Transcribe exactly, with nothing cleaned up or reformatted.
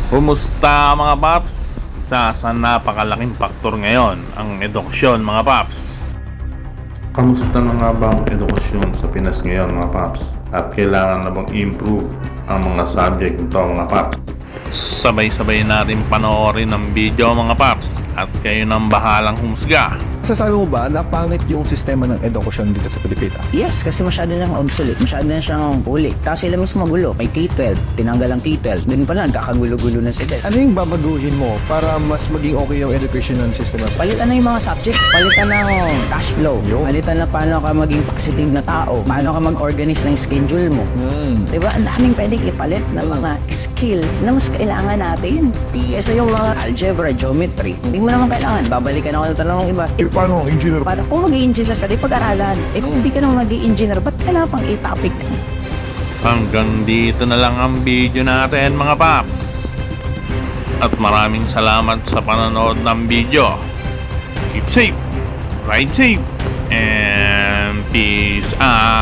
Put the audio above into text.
Kumusta mga paps? Isa sa napakalaking faktor ngayon ang edukasyon mga paps. Kamusta na nga ba ang edukasyon sa Pinas ngayon mga paps? At kailangan na bang improve ang mga subject nito mga paps? Sabay-sabay natin panoorin ang video mga paps at kayo nang bahalang humusga. Sasabi mo ba na pangit yung sistema ng edukasyon dito sa Pilipinas? Yes, kasi masyado nang obsolete, masyado na siyang huli. Tapos sila mas magulo. May K twelve, tinanggal ang K twelve. Doon pa lang, kakagulo-gulo na sila. Ano yung babaguhin mo para mas maging okay yung education ng sistema? Palitan na yung mga subjects, palitan na yung cash flow, Yo. palitan na paano ka maging positive na tao, paano ka mag-organize ng schedule mo. Hmm. Diba? Ang daming pwedeng ipalit na mga skill na mas kailangan natin. Kesa yung mga algebra, geometry, hindi mo naman kailangan. Babalikan ako ng tanong ng iba. Eh, paano ang engineer? Para kung mag-i-engineer ka, di pag-aralan. Eh kung hindi ka naman mag-i-engineer, ba't kailangan pang i-topic? Hanggang dito na lang ang video natin mga paps. At maraming salamat sa panonood ng video. Keep safe, ride safe, and peace out.